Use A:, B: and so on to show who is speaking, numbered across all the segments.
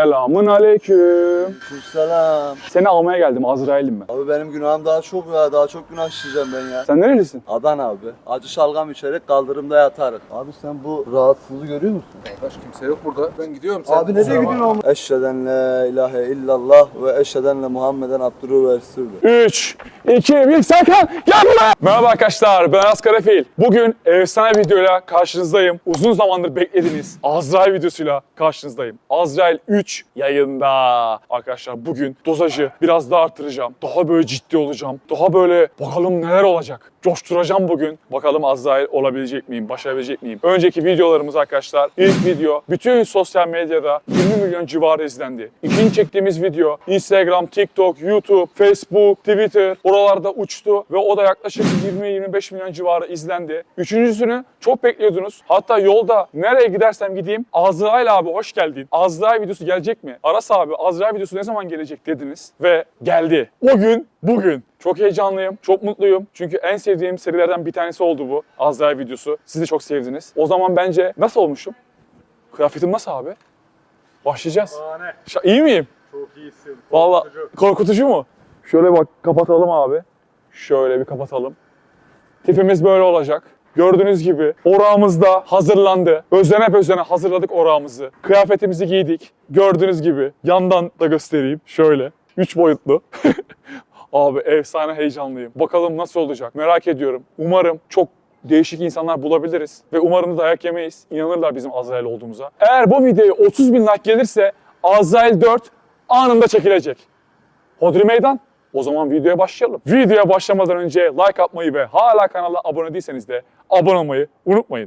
A: Selamun aleyküm.
B: Selam.
A: Seni almaya geldim, Azrail'im ben.
B: Abi benim günahım daha çok ya. Daha çok günah işleyeceğim ben ya.
A: Sen nerelisin?
B: Adana abi. Acı şalgam içerek kaldırımda yatarız. Abi sen bu rahatsızlığı görüyor musun?
C: Baş kimse yok burada. Ben gidiyorum. Sen
B: Abi nereye gidiyorsun oğlum? Eşheden la ilahe illallah ve eşheden la Muhammeden abdurru ve resulü.
A: 3, 2, 1, Serkan gel buraya. Merhaba arkadaşlar, ben Askarafil. Bugün efsane videoyla karşınızdayım. Uzun zamandır beklediğiniz Azrail videosuyla karşınızdayım. Azrail 3 yayında. Arkadaşlar bugün dozajı biraz daha artıracağım. Daha böyle ciddi olacağım. Daha böyle bakalım neler olacak. Coşturacağım bugün. Bakalım Azrail olabilecek miyim, başarabilecek miyim? Önceki videolarımız arkadaşlar, ilk video bütün sosyal medyada 20 milyon civarı izlendi. İkinci çektiğimiz video Instagram, TikTok, YouTube, Facebook, Twitter oralarda uçtu ve o da yaklaşık 20-25 milyon civarı izlendi. Üçüncüsünü çok bekliyordunuz. Hatta yolda nereye gidersem gideyim Azrail abi hoş geldin. Azrail videosu gelecek mi? Aras abi Azrail videosu ne zaman gelecek dediniz ve geldi. O gün bugün. Çok heyecanlıyım, çok mutluyum. Çünkü en sevdiğim serilerden bir tanesi oldu bu Azrail videosu. Siz de çok sevdiniz. O zaman bence nasıl olmuşum? Kıyafetim nasıl abi? Başlayacağız. İyi miyim?
C: Çok iyisin.
A: Vallahi korkutucu mu? Şöyle bak kapatalım abi. Şöyle bir kapatalım. Tipimiz böyle olacak. Gördüğünüz gibi orağımız da hazırlandı. Özene hazırladık orağımızı. Kıyafetimizi giydik. Gördüğünüz gibi yandan da göstereyim. Şöyle 3 boyutlu. Abi efsane heyecanlıyım. Bakalım nasıl olacak merak ediyorum. Umarım çok değişik insanlar bulabiliriz. Ve umarım da dayak yemeyiz. İnanırlar bizim Azrail olduğumuza. Eğer bu videoya 30 bin like gelirse Azrail 4 anında çekilecek. Hodri meydan. O zaman videoya başlayalım. Videoya başlamadan önce like atmayı ve hala kanala abone değilseniz de abone olmayı unutmayın.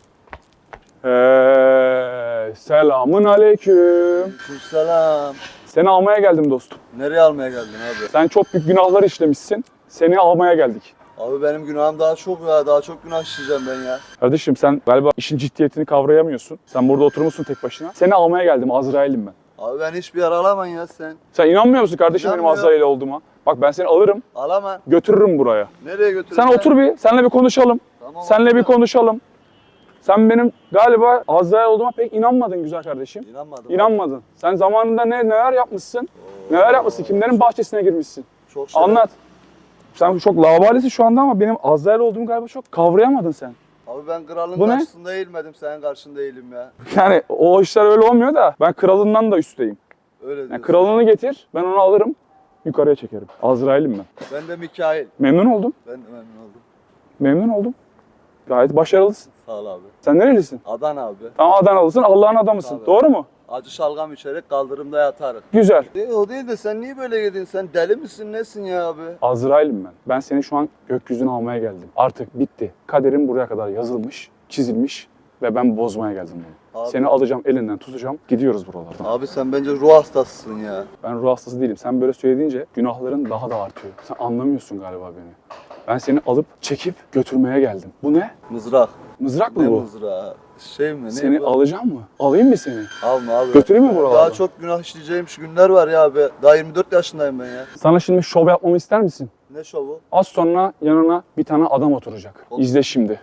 A: Selamun aleyküm.
B: Selam.
A: Seni almaya geldim dostum.
B: Nereye almaya geldin abi?
A: Sen çok büyük günahlar işlemişsin. Seni almaya geldik.
B: Abi benim günahım daha çok ya. Daha çok günah işleyeceğim ben ya.
A: Kardeşim sen galiba işin ciddiyetini kavrayamıyorsun. Sen burada oturmuşsun tek başına. Seni almaya geldim. Azrail'im ben.
B: Abi ben hiçbir yer alamam ya sen.
A: Sen inanmıyor musun kardeşim benim
B: İnanmıyorum.
A: Azrail olduğuma? Bak ben seni alırım,
B: Alamam.
A: götürürüm buraya.
B: Nereye götürüyorsun?
A: Sen otur bir, seninle bir konuşalım.
B: Tamam,
A: Seninle bir
B: otur.
A: konuşalım. Sen benim galiba Azrail olduğuma pek inanmadın güzel kardeşim.
B: İnanmadım.
A: İnanmadın. Sen zamanında neler yapmışsın? Neler yapmışsın? Kimlerin bahçesine girmişsin?
B: Çok şey.
A: Anlat. Sen çok laubalisin şu anda ama benim Azrail olduğumu galiba çok kavrayamadın sen.
B: Abi ben kralın
A: Bu ne?
B: karşısında eğilmedim. Senin karşında eğilim ya.
A: Yani o işler öyle olmuyor da ben kralından da üstteyim.
B: Öyle diyorsun.
A: Yani kralını getir, ben onu alırım, yukarıya çekerim. Azrail'im ben.
B: Ben de Mikail.
A: Memnun oldum,
B: Ben de memnun oldum.
A: memnun oldum. Gayet başarılısın.
B: Sağ ol abi.
A: Sen nerelisin?
B: Adana abi.
A: Tamam Adanalısın, Allah'ın adamısın.
B: Tabii.
A: Doğru mu?
B: Acı şalgam içerek kaldırımda yatarız.
A: Güzel.
B: O değil de sen niye böyle girdin? Sen deli misin nesin ya abi?
A: Azrail'im ben. Ben seni şu an gökyüzüne almaya geldim. Artık bitti. Kaderim buraya kadar yazılmış, çizilmiş ve ben bozmaya geldim bunu.
B: Abi.
A: Seni alacağım, elinden tutacağım, gidiyoruz buralardan.
B: Abi sen bence ruh hastasısın ya.
A: Ben ruh hastası değilim. Sen böyle söylediğince günahların daha da artıyor. Sen anlamıyorsun galiba beni. Ben seni alıp çekip götürmeye geldim. Bu ne?
B: Mızrak.
A: Mızrak
B: Ne
A: mı bu?
B: mızrağı? Şey mi? Ne
A: Seni
B: bu?
A: alacağım mı? Alayım mı seni?
B: Alma abi.
A: Götüreyim mi buralardan?
B: Daha çok günah işleyeceğim günler var ya abi. Daha 24 yaşındayım ben ya.
A: Sana şimdi şov yapmamı ister misin?
B: Ne şovu?
A: Az sonra yanına bir tane adam oturacak.
B: Olur.
A: İzle şimdi.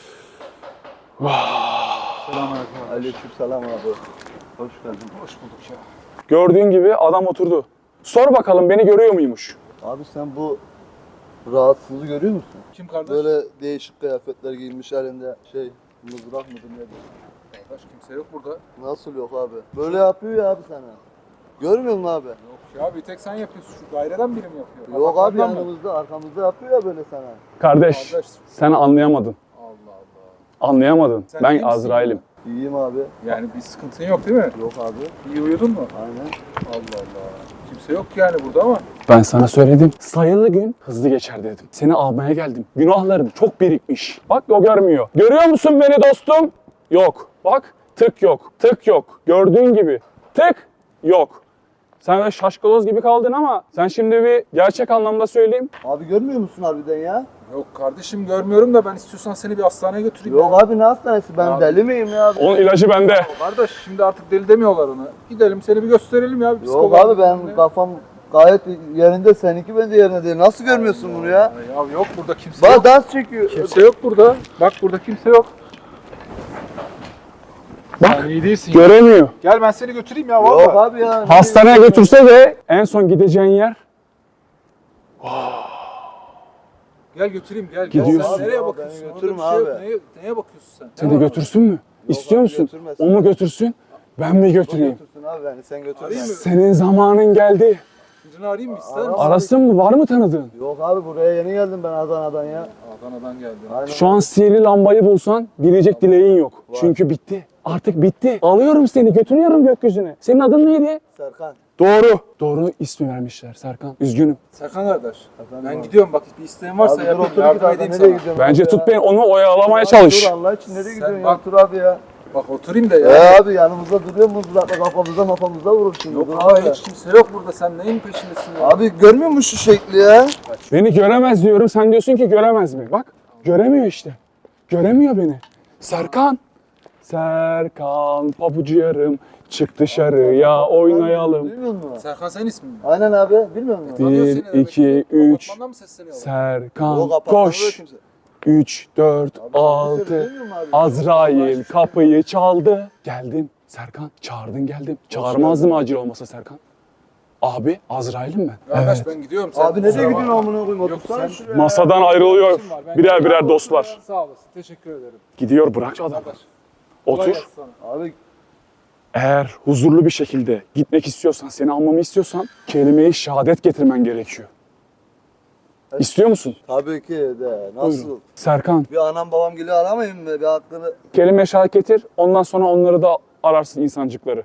C: Selamünaleyküm.
B: Aleykümselam abi. Hoş geldin.
C: Hoş bulduk ya.
A: Gördüğün gibi adam oturdu. Sor bakalım beni görüyor muymuş?
B: Abi sen bu rahatsızlığı görüyor musun?
C: Kim kardeş?
B: Böyle değişik kıyafetler giymiş elinde mızrak mıdır nedir?
C: Baş kimse yok burada.
B: Nasıl yok abi? Böyle yapıyor ya abi sana. Görmüyor musun abi?
C: Yok ya bir tek sen yapıyorsun. Şu daireden biri mi yapıyor?
B: Yok abi
C: Apartmandan mı?
B: yanımızda arkamızda yapıyor ya böyle sana.
A: Kardeş,
C: Kardeş.
A: sen anlayamadın.
C: Allah Allah.
A: Anlayamadın.
C: Sen iyi
A: Ben
C: misin
A: Azrail'im.
B: İyiyim abi.
C: Yani bir sıkıntın yok değil mi?
B: Yok abi.
C: İyi uyudun mu?
B: Aynen.
C: Allah Allah. Kimse yok yani burada ama.
A: Ben sana söyledim. Sayılı gün hızlı geçer dedim. Seni almaya geldim. Günahların çok birikmiş. Bak o görmüyor. Görüyor musun beni dostum? Yok. Bak tık yok. Tık yok. Gördüğün gibi. Tık yok. Sen öyle şaşkaloz gibi kaldın ama sen şimdi bir gerçek anlamda söyleyeyim.
B: Abi görmüyor musun harbiden ya?
C: Yok kardeşim görmüyorum da ben istiyorsan seni bir hastaneye götüreyim.
B: Yok
C: ya.
B: abi ne hastanesi? Ben
C: Abi.
B: deli miyim ya abi?
A: Onun ilacı bende.
C: Kardeş şimdi artık deli demiyorlar ona. Gidelim seni bir gösterelim ya. Bir
B: Yok
C: psikoloğa
B: abi ben
C: gidelim ya.
B: kafam gayet yerinde, seninki bence yerinde değil. Nasıl görmüyorsun bunu ya?
C: Ya yok burada kimse yok.
B: Bak dans çekiyor.
C: Kimse yok burada. Bak burada kimse yok.
A: Bak
C: Sen iyi değilsin ya.
A: göremiyor.
C: Gel ben seni götüreyim ya
B: Yok
C: valla.
B: abi ya.
A: Hastaneye götürse de en son gideceğin yer
C: Gel götüreyim gel.
A: Gidiyorsun.
C: Gel, sen nereye
B: Ya,
C: bakıyorsun?
B: beni
C: Orada
B: götürme
C: bir şey yok.
B: abi.
C: Neye bakıyorsun sen?
A: seni götürsün mü? İstiyor
B: abi,
A: musun?
B: götürmesin.
A: O mu götürsün? Ben mi götüreyim?
B: Götürsün abi beni, sen götürme.
C: Arayayım mı?
A: Senin zamanın geldi.
C: Birini arayayım mı ister misin?
A: Arasın mı? Var mı tanıdığın?
B: Yok abi, buraya yeni geldim ben Adana'dan ya.
C: Adana'dan geldim.
B: Aynen.
A: Şu an sihirli lambayı bulsan dileyecek dileğin yok. Çünkü bitti. Artık bitti. Alıyorum seni, götürüyorum gökyüzüne. Senin adın neydi?
B: Serkan.
A: Doğru. Doğru ismi vermişler Serkan. Üzgünüm.
C: Serkan kardeş.
B: Efendim
C: Ben
B: abi.
C: gidiyorum bak bir isteğin varsa
B: Abi dur,
C: yapayım.
B: otur
C: Yardım
B: git abi,
C: edeyim
B: nereye
C: sana.
B: gidiyorsun
A: Bence
B: abi
A: tut
B: ya?
A: beni, onu oyalamaya
B: Abi
A: çalış.
B: Dur Allah için, nereye gidiyorsun
C: bak-
B: ya? Dur abi ya.
C: Bak oturayım da ya.
B: Ya abi yanımızda duruyor mu? Uzakta kafamıza vurur şimdi.
C: Yok
B: Dur
C: abi
B: abi.
C: hiç kimse yok burada. Sen neyin peşindesin ya?
B: Abi görmüyor musun şu şekli ya?
A: Beni göremez diyorum, sen diyorsun ki göremez mi? Bak, göremiyor işte. Göremiyor beni. Serkan. Serkan, pabucu yarım, çık dışarıya oynayalım.
B: Bilmiyor musun?
C: Serkan sen ismin mi?
B: Aynen abi, bilmiyor musun?
C: Tanıyor seni
A: 1,
C: demek
A: 2,
C: ki.
A: 3,
C: Apartmandan mı sesleniyorlar?
A: Serkan,
B: O kapatmadı
A: koş.
B: kimse.
A: 3, 4,
B: Abi,
A: 6,
B: bilmiyor musun abi?
A: Azrail kapıyı çaldı. Geldim Serkan, çağırdın geldim. Çağırmazdım acil olmasa Serkan. Abi, Azrail'im ben.
C: Kardeş
A: Evet.
C: ben gidiyorum. Sen
B: Abi nereye
C: kusura
B: gidiyorsun
C: bakma.
B: amına koyayım?
C: Yok,
B: Otursana
C: sen-
B: şuraya.
A: Masadan ayrılıyor
C: İşim var, ben
A: birer
C: gidiyorum.
A: birer dostlar.
C: Sağ olasın. Teşekkür ederim.
A: Gidiyor, bırak adamı.
C: Kardeş. kolay
A: Otur.
C: gelsin sana.
B: Abi
A: Eğer huzurlu bir şekilde gitmek istiyorsan, seni almamı istiyorsan kelime-i şehadet getirmen gerekiyor. İstiyor musun?
B: tabii ki de. Nasıl?
A: Buyurun. Serkan,
B: Bir anam babam geliyor, aramayayım mı? Bir hakkını.
A: kelime-i şehadet getir. Ondan sonra onları da ararsın, insancıkları.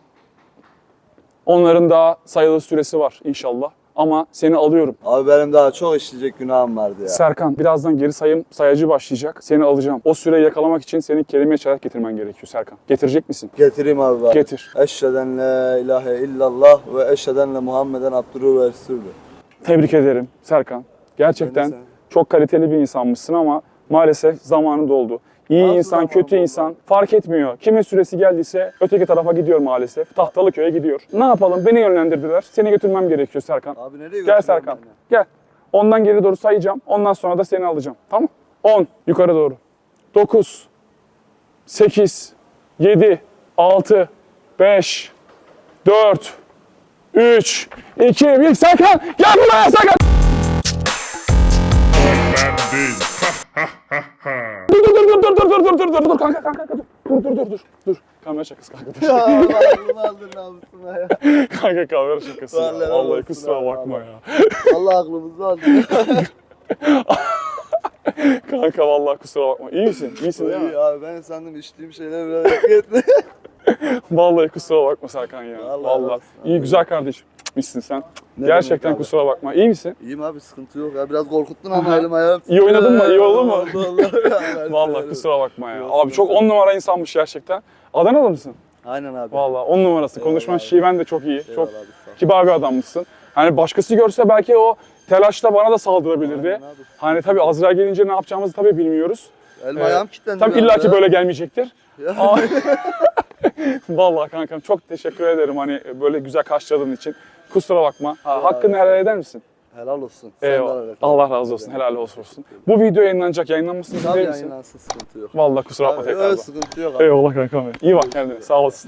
A: Onların daha sayılı süresi var inşallah. Ama seni alıyorum.
B: Abi benim daha çok işleyecek günahım vardı ya.
A: Serkan, birazdan geri sayacı başlayacak. Seni alacağım. O süreyi yakalamak için senin kelime-i şehadet getirmen gerekiyor Serkan. Getirecek misin?
B: Getireyim abi bak.
A: Getir.
B: Eşheden la ilahe illallah ve eşheden le Muhammeden abduhu ve resulü.
A: Tebrik ederim Serkan. Gerçekten
B: Ben de
A: çok kaliteli bir insanmışsın ama maalesef zamanı doldu. İyi
B: Nasıl
A: insan,
B: zamanı
A: kötü
B: doldu?
A: insan fark etmiyor. Kimin süresi geldiyse öteki tarafa gidiyor maalesef. Tahtalıköy'e gidiyor. Ne yapalım? Beni yönlendirdiler. Seni götürmem gerekiyor Serkan.
B: Abi nereye
A: Gel
B: götürüyorsun
A: Serkan.
B: beni?
A: Gel. Ondan geri doğru sayacağım. Ondan sonra da seni alacağım. Tamam? 10. Yukarı doğru. 9. 8. 7. 6. 5. 4. 3. 2. 1. Serkan! Gel buraya Serkan! Dur kanka dur. Kamera şakası kanka. Dur.
B: Ya Allah'ım aldın namusuna ya.
A: Kanka kamera şakası ya.
B: Vallahi
A: Vallahi
B: olsun
A: kusura
B: abi,
A: bakma
B: vallahi.
A: ya.
B: Allah aklımızı aldın.
A: Kanka vallahi kusura bakma. İyi misin? İyisin değil mi?
B: İyi abi, ben sandım içtiğim şeyler biraz yakıttı.
A: Vallahi kusura bakma Serkan ya.
B: Vallahi
A: Vallahi.
B: olsun.
A: İyi güzel kardeşim. Misin sen.
B: Ne
A: Gerçekten
B: demek abi?
A: kusura bakma. İyi misin?
B: İyiyim abi, sıkıntı yok ya. Biraz korkuttun ama
A: Aha.
B: elim ayağım.
A: İyi oynadın mı? İyi oldu mu?
B: Vallahi.
A: Vallahi kusura bakma ya.
B: Yok,
A: Abi çok
B: sıkıntı
A: 10 numara insanmış gerçekten. Adanalı mısın?
B: Aynen abi.
A: Vallahi 10 numarası.
B: Eyvallah
A: Konuşman
B: abi.
A: şiven de çok iyi.
B: Eyvallah
A: Çok
B: abi, sağ ol.
A: kibar bir adammışsın. Hani başkası görse belki o telaşla bana da saldırabilirdi.
B: Aynen abi.
A: Hani tabii Azrail gelince ne yapacağımızı tabii bilmiyoruz.
B: Elim
A: Evet.
B: ayağım kilitlendi.
A: Tabii
B: bir anda
A: illaki
B: ya.
A: böyle gelmeyecektir.
B: Ya.
A: Aa, Vallahi kankam çok teşekkür ederim hani böyle güzel karşıladığın için. Kusura bakma. Hakkını helal eder misin?
B: Helal olsun. Sen de
A: Eyvallah.
B: helal et.
A: Allah razı olsun. Helal olsun. Bu video yayınlanacak. Yayınlanmasını
B: Tabii
A: ister misin?
B: yayınlansın, sıkıntı yok.
A: Vallahi kusura bakma
B: Abi,
A: tekrardan.
B: öyle sıkıntı yok abi.
A: Eyvallah kankam. İyi bak kendine. Sağ olasın.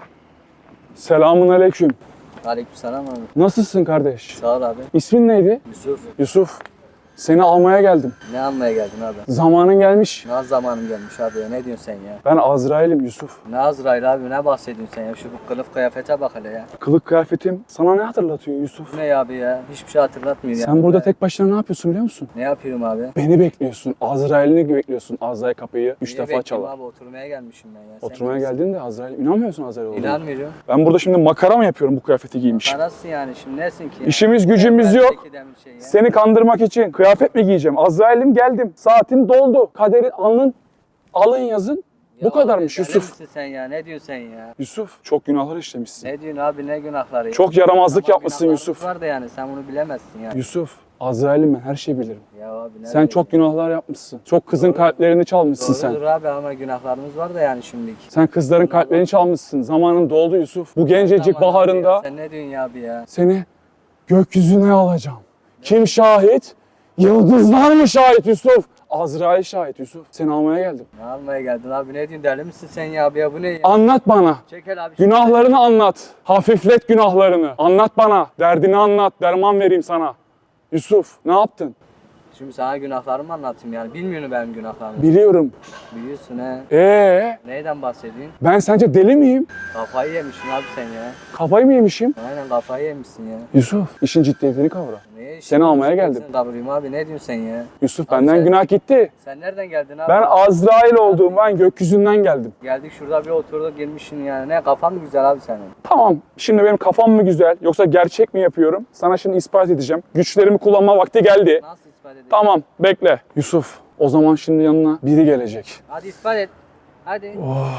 A: Selamun aleyküm.
D: Aleykümselam abi.
A: Nasılsın kardeş?
D: Sağ ol abi.
A: İsmin neydi?
D: Yusuf.
A: Yusuf. Seni almaya geldim.
D: Ne almaya geldin abi?
A: Zamanın gelmiş.
D: Ne zamanım gelmiş abi ya? Ne diyorsun sen ya?
A: Ben Azrail'im Yusuf.
D: Ne Azrail abi, ne bahsediyorsun sen ya? Şu bu kılıf kıyafete bak hele ya.
A: Kılık kıyafetim sana ne hatırlatıyor Yusuf?
D: Bu ne abi ya? Hiçbir şey hatırlatmıyor ya.
A: Sen burada tek başına ne yapıyorsun biliyor musun?
D: Ne yapıyorum abi?
A: Beni bekliyorsun. Azrail'ini bekliyorsun. Azrail kapıyı 3
D: Niye
A: defa
D: bekleyeyim
A: çalar.
D: abi? Oturmaya gelmişim ben ya. Sen
A: Oturmaya
D: kimsin?
A: geldin de Azrail. İnanmıyorsun Azrail olduğuna.
D: İnanmıyorum.
A: Ben burada şimdi makara mı yapıyorum bu kıyafeti giymişim?
D: Parasın yani şimdi nesin ki ya?
A: İşimiz gücümüz
D: Ben
A: yok.
D: çekiden bir şey ya.
A: Seni kandırmak için kıyafet mi giyeceğim? Azrail'im geldim. Saatin doldu. Kaderin alın yazın. Bu
D: Ya
A: kadarmış
D: abi, deli
A: Yusuf.
D: misin sen ya? Ne diyorsun sen ya?
A: Yusuf çok günahlar işlemişsin.
D: Ne diyorsun abi, ne günahları ya?
A: Çok yaramazlık
D: Tamam,
A: yapmışsın
D: günahlarımız
A: Yusuf.
D: var da yani sen bunu bilemezsin ya.
A: Yusuf, Azrail'im ben her şeyi bilirim.
D: Ya abi ne
A: Sen
D: diyorsun
A: çok günahlar yapmışsın. Çok kızın kalplerini çalmışsın sen.
D: Doğrudur abi ama günahlarımız var da yani şimdiki.
A: Sen kızların kalplerini çalmışsın. Zamanın doldu Yusuf. Bu gencecik
D: Tamam abi
A: baharında
D: ya, sen ne diyorsun ya abi ya?
A: seni gökyüzüne alacağım. Kim şahit? Yıldızlar mı şahit Yusuf? Azrail şahit Yusuf. Seni almaya geldim.
D: Ne almaya geldin abi, ne diyorsun, deli misin sen ya abi ya, bu ne ya?
A: Anlat bana.
D: Çekel abi.
A: Günahlarını anlat. Hafiflet günahlarını. Anlat bana. Derdini anlat. Derman vereyim sana. Yusuf ne yaptın?
D: Şimdi sana günahlarımı anlatayım yani, bilmiyorsun benim günahlarımı.
A: Biliyorum.
D: Biliyorsun he.
A: Neyden
D: bahsediyorsun?
A: Ben sence deli miyim?
D: Kafayı yemişsin abi sen ya.
A: Kafayı mı yemişim?
D: Aynen kafayı yemişsin ya.
A: Yusuf işin ciddiyetini kavra.
D: Niye
A: Seni almaya geldim.
D: Kavrayım abi, ne diyorsun sen ya?
A: Yusuf
D: Abi
A: benden
D: sen-
A: günah gitti.
D: Sen nereden geldin abi?
A: Ben Azrail olduğum, ben gökyüzünden geldim.
D: Geldik şurada bir oturduk girmişsin yani. Ne kafan mı güzel abi senin?
A: Tamam, şimdi benim kafam mı güzel yoksa gerçek mi yapıyorum? Sana şimdi ispat edeceğim. Güçlerimi kullanma vakti geldi.
D: Nasıl ispat edeyim?
A: Tamam, bekle. Yusuf, o zaman şimdi yanına biri gelecek.
D: Hadi ispat et. Hadi.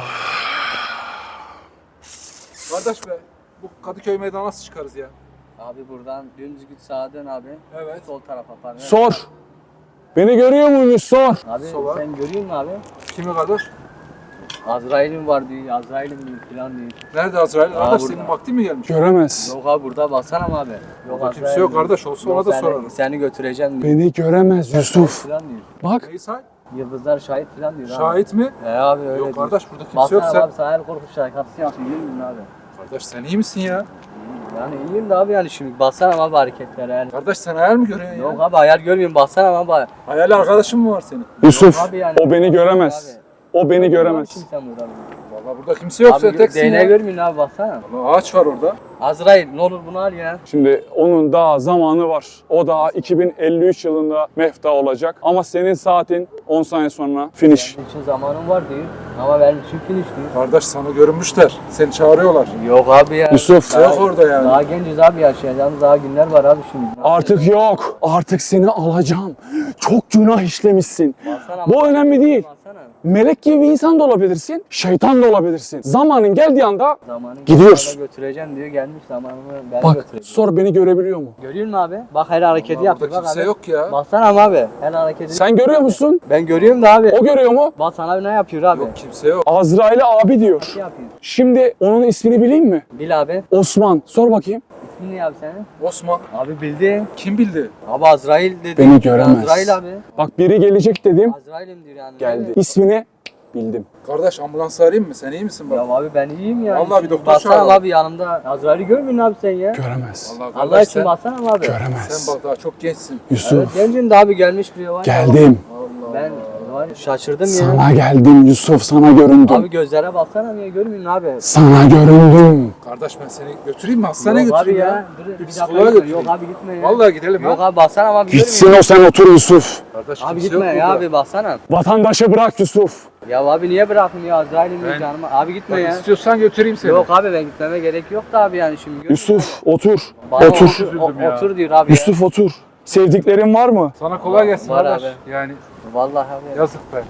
C: Kardeş be, bu Kadıköy meydana nasıl çıkarız ya?
D: Abi buradan dümdüz git, sağa dön abi.
C: Evet.
D: Sol tarafa pardon.
A: Sor. Beni görüyor muymuş? Sor.
D: Abi
C: Sola.
D: sen görüyor musun abi?
C: Kimi kardeş?
D: Azrail'in var diyor, Azrail'in diyor falan diyor.
C: Nerede Azrail? Kardeş
D: burada.
C: senin vaktin mi gelmiş?
A: Göremez.
D: Yok abi burada baksana mı abi? Yok
C: Burada kimse yok kardeş, olsa ona da sorarım.
D: Seni götüreceğim diyor.
A: Beni göremez Yusuf.
D: Falan diyor.
A: Bak,
C: Neyi say?
D: Yıldızlar şahit falan diyor abi.
C: Şahit mi?
D: Abi öyle
C: Yok
D: diyor.
C: kardeş burada kimse
D: Baksana
C: yok sen.
D: abi, sana el korku şarkısı yaptın, biliyor musun abi?
C: Kardeş sen iyi misin ya?
D: Yani iyiyim de abi yani şimdi baksana abi hareketlere yani.
C: Kardeş sen hayal mi görüyorsun
D: Yok
C: ya?
D: abi hayal görmüyorum, baksana abi.
C: Hayal arkadaşın mı var senin?
A: Yusuf,
D: Abi yani-
A: o beni göremez. O beni göremez.
D: Kim sen burada?
C: Vallahi burada kimse yok, sen
D: Abi
C: teksin
D: DNA
C: ya.
D: görmüyorsun abi, baksana.
C: Vallahi ağaç var orada.
D: Azrail ne olur bunu al ya.
A: Şimdi onun daha zamanı var. O daha 2053 yılında mefta olacak. Ama senin saatin 10 saniye sonra finish.
D: Senin için zamanın var diyor. Ama benim için finish diyor.
C: Kardeş sana görünmüşler. Seni çağırıyorlar.
D: Yok abi ya.
A: Yusuf,
C: Yok orada yani.
D: Daha genciz abi, yaşayacağımız daha günler var abi şimdi.
A: artık yok. Artık seni alacağım. Çok günah işlemişsin.
D: Baksana,
A: Bu önemli değil.
D: baksana.
A: Melek gibi bir insan da olabilirsin, şeytan da olabilirsin. Zamanın geldiği anda
D: Zamanın
A: Gidiyoruz.
D: geldiğinde götüreceğim diyor, gelmiş zamanını ben
A: bak
D: götüreceğim.
A: sonra beni görebiliyor mu?
D: Görüyor musun abi? Bak her hareketi
C: Vallahi
D: yapıyor
C: burada
D: bak
C: kimse
D: abi.
C: yok ya.
D: Baksana abi, her hareketi.
A: Sen görüyor musun?
D: Ben görüyorum da abi.
A: O görüyor mu?
D: Bak sana ne yapıyor abi?
C: Yok kimse yok.
A: Azrail'e abi diyor.
D: Ne yapıyor?
A: Şimdi onun ismini bileyim mi?
D: Bil abi.
A: Osman. Sor bakayım.
D: İsmin ne abi senin?
C: Osman.
D: Abi bildi.
C: Kim bildi?
D: Abi Azrail dedi.
A: Beni göremez.
D: Azrail abi.
A: Bak biri gelecek dedim.
D: Azrail'im diyor yani.
A: Geldi. İsmini bildim.
C: Kardeş ambulans arayayım mı? Sen iyi misin bak?
D: Ya abi ben iyiyim ya.
C: Vallahi bir doktor
D: Baksana
C: çağıralım.
D: abi yanımda. Azrail'i görmüyorsun abi sen ya.
A: Göremez.
C: Vallahi
D: Allah
C: kardeş
D: için
C: sen,
D: baksana abi.
A: Göremez.
C: sen bak daha çok gençsin.
D: Evet,
A: Yusuf.
D: gencin de abi gelmiş biri var. ya.
A: Geldim.
C: Allah
D: Ben var ya, şaşırdım ya.
A: Sana geldim Yusuf. Sana göründüm.
D: Abi gözlere baksana niye görmüyorsun abi?
A: Sana göründüm.
C: Kardeş ben seni götüreyim mi? Hastaneye
D: Yok abi
C: götüreyim
D: ya.
C: ya.
D: Dur,
C: Bir
D: bir dakika
C: psikoloğa
D: dur.
C: götüreyim.
D: Yok abi gitme ya.
C: Vallahi gidelim
D: Yok
C: ha.
D: abi baksana abi
A: Gitsin
D: görmüyor
A: o sen otur Yusuf.
C: Kardeş
D: musun? Abi
C: kimse
D: gitme
C: yok
D: ya
C: burada.
D: abi baksana.
A: Vatandaşı bırak Yusuf.
D: Ya abi niye bırakmıyor Azrail'im
C: Ben-
D: canıma? Abi gitme
C: Bak,
D: ya.
C: istiyorsan götüreyim seni.
D: Yok abi ben gitmeme gerek yok da abi yani şimdi. görmüyor musun?
A: Yusuf otur.
D: Bana
A: Otur.
C: üzüldüm ya.
D: Otur diyor abi
A: Yusuf otur. Sevdiklerin var mı?
C: Sana kolay gelsin
D: Var
C: kardeş.
D: abi.
C: Yani
D: ya. Vallahi abi.
C: yazık be.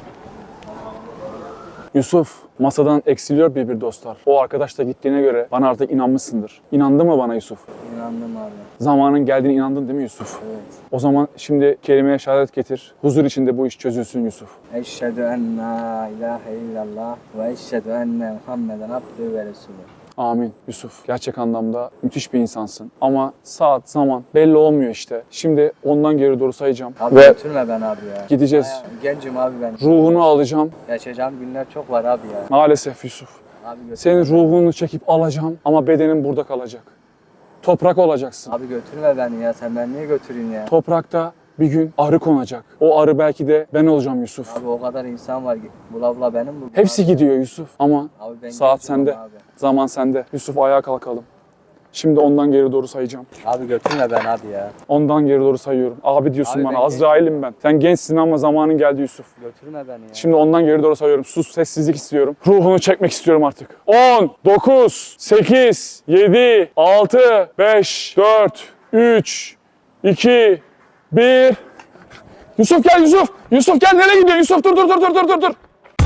A: Yusuf, masadan eksiliyor bir dostlar. O arkadaş da gittiğine göre bana artık inanmışsındır. İnandı mı bana Yusuf?
D: İnandım abi.
A: Zamanın geldiğine inandın değil mi Yusuf?
D: Evet.
A: O zaman şimdi kelimeye şehadet getir. Huzur içinde bu iş çözülsün Yusuf.
D: Eşhedü en la ilahe illallah ve eşhedü enne Muhammeden abdühü ve resulü.
A: Amin Yusuf. Gerçek anlamda müthiş bir insansın. Ama saat, zaman belli olmuyor işte. Şimdi ondan geri doğru sayacağım.
D: Abi
A: Ve
D: götürme ben abi ya.
A: gideceğiz.
D: Bayağı gencim abi ben.
A: Ruhunu alacağım.
D: Yaşayacağım günler çok var abi ya.
A: Maalesef Yusuf.
D: Abi götürme.
A: Senin ruhunu çekip alacağım ama bedenin burada kalacak. Toprak olacaksın.
D: Abi götürme beni ya. Sen beni niye götürün ya?
A: Toprakta bir gün arı konacak. O arı belki de ben olacağım Yusuf.
D: Abi o kadar insan var. Bula bula benim bu.
A: Hepsi
D: abi.
A: gidiyor Yusuf ama
D: Abi ben
A: saat
D: gencim
A: sende.
D: Abi.
A: Zaman sende. Yusuf ayağa kalkalım. Şimdi ondan geri doğru sayacağım.
D: Abi götürme ben abi ya.
A: Ondan geri doğru sayıyorum. Abi diyorsun
D: Abi
A: bana.
D: ben
A: Azrail'im ben. Sen gençsin ama zamanın geldi Yusuf.
D: Götürme beni ya.
A: Şimdi ondan geri doğru sayıyorum. Sus, sessizlik istiyorum. Ruhunu çekmek istiyorum artık. 10, 9, 8, 7, 6, 5, 4, 3, 2, 1. Yusuf gel Yusuf. Yusuf gel, nereye gidiyorsun? Yusuf dur dur dur dur dur dur dur.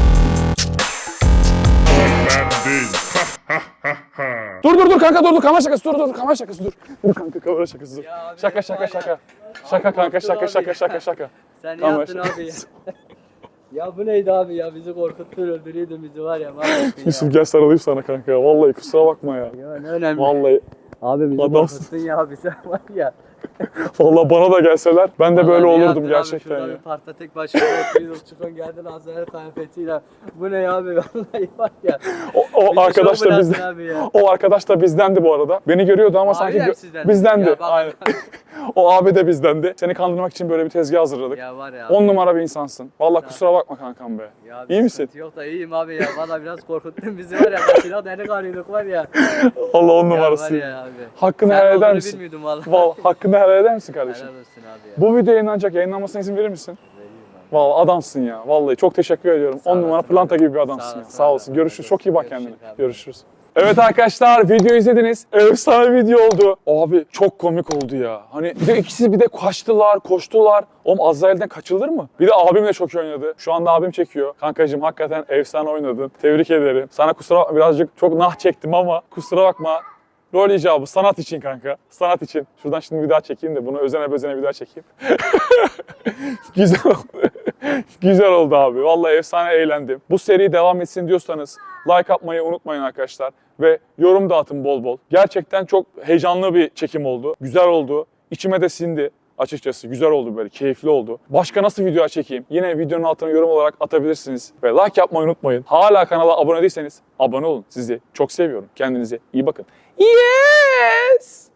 A: Dur kanka dur kamera şakası dur kamera şakası dur. Dur kanka kamera şakası dur.
D: Ya abi,
A: Şaka
D: var
A: şaka
D: ya.
A: şaka. Şaka kanka şaka
D: Korktun
A: şaka
D: abi.
A: şaka şaka.
D: Sen
A: Tamam,
D: yaptın abi ya. Ya bu neydi abi ya? Bizi korkuttun, öldürüyordun bizi var ya. Mahvettin
A: Yusuf
D: ya.
A: gel sarılayım sana kanka ya. Vallahi kusura bakma ya.
D: Ya ne önemli.
A: Vallahi
D: Abi bizi
A: Adamsın.
D: korkuttun ya. Bize var ya.
A: Vallahi bana da gelseler ben de böyle
D: Vallahi iyi
A: olurdum
D: yaptın
A: gerçekten
D: abi, şurada
A: ya.
D: bir parkta tek başına oturuyoruz. Çıkın geldin Azrail kıyafetiyle. Bu ne ya abi vallahi var ya.
A: O
D: Bizi
A: arkadaş
D: şov
A: da
D: bıraktın
A: bizden.
D: abi ya.
A: O arkadaş da bizdendi bu arada. Beni görüyordu ama sanki
D: Abiler sizden.
A: bizdendi.
D: Ya bak-
A: Aynen. O abi de bizdendi. Seni kandırmak için böyle bir tezgah hazırladık.
D: Ya var ya.
A: 10 numara bir insansın. Vallahi kusura bakma kankam be.
D: Ya
A: İyi
D: bir
A: misin?
D: sıkıntı yok da iyiyim abi ya. Valla biraz korkuttun bizi var ya. Başına delik arıyorduk var ya.
A: Allah 10
D: Ya var
A: numarası.
D: ya abi.
A: Hakkını
D: Sen
A: helal eder
D: olduğunu
A: misin?
D: bilmiyordum valla.
A: Hakkını helal eder misin kardeşim?
D: Helal olsun abi ya.
A: Bu video yayınlanacak. Yayınlanmasına izin verir misin?
D: Vereyim abi.
A: Vallahi adamsın ya. Vallahi çok teşekkür ediyorum.
D: Sağ
A: 10 numara
D: olasın
A: planta
D: abi.
A: gibi bir adamsın
D: Sağ
A: ya.
D: olasın
A: Sağ
D: abi.
A: olsun. Görüşürüz. Çok iyi bak
D: Görüşürüz
A: kendine.
D: abi.
A: Görüşürüz. Evet arkadaşlar video izlediniz. Efsane video oldu. Abi çok komik oldu ya. Hani bir de ikisi bir de kaçtılar, koştular. Oğlum Azrail'den kaçılır mı? Bir de abim de çok iyi oynadı. Şu anda abim çekiyor. Kankacığım hakikaten efsane oynadın. Tebrik ederim. Sana kusura bakma birazcık çok nah çektim ama kusura bakma. Rol icabı sanat için kanka. Sanat için. Şuradan şimdi bir daha çekeyim de bunu özene bezene bir daha çekeyim. Güzel oldu. Güzel oldu abi. Vallahi efsane eğlendim. Bu seri devam etsin diyorsanız like atmayı unutmayın arkadaşlar. Ve yorum da atın bol bol. Gerçekten çok heyecanlı bir çekim oldu. Güzel oldu. İçime de sindi. Açıkçası güzel oldu böyle, keyifli oldu. Başka nasıl video çekeyim? Yine videonun altına yorum olarak atabilirsiniz. Ve like yapmayı unutmayın. Hala kanala abone değilseniz abone olun. Sizi çok seviyorum. Kendinize iyi bakın. Yes!